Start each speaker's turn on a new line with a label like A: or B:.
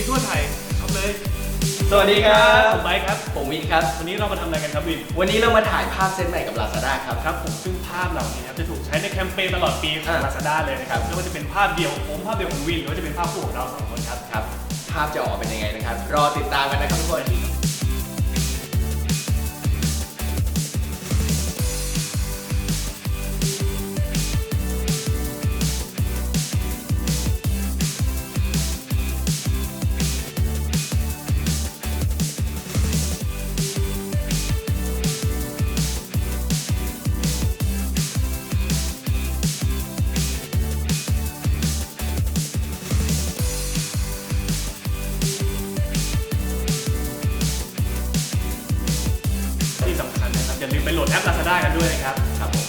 A: ทั่วไทยครับเลย
B: สวัสดีครับ
A: ผมไบค์ครับ
B: ผมวินครับ
A: วันนี้เรามาทำอะไรกันครับวิน
B: วันนี้เรามาถ่ายภาพเซตใหม่กับ Lazada ครับ
A: ครับผมซึ่งภาพเหล่านี้ครับจะถูกใช้ในแคมเปญตลอดปีของ Lazada เลยนะครับไม่ว่าจะเป็นภาพเดียวของผมภาพเดียวของวินหรือว่าจะเป็นภาพคู่ของเราสองคนครับ
B: ครับภาพจะออกมาเป็นยังไงนะครับรอติดตามกันนะครับทุกคน
A: ที่สำคัญนะครับอย่าลืมไปโหลดแอป Lazada กันด้วยนะครับ
B: ครับผม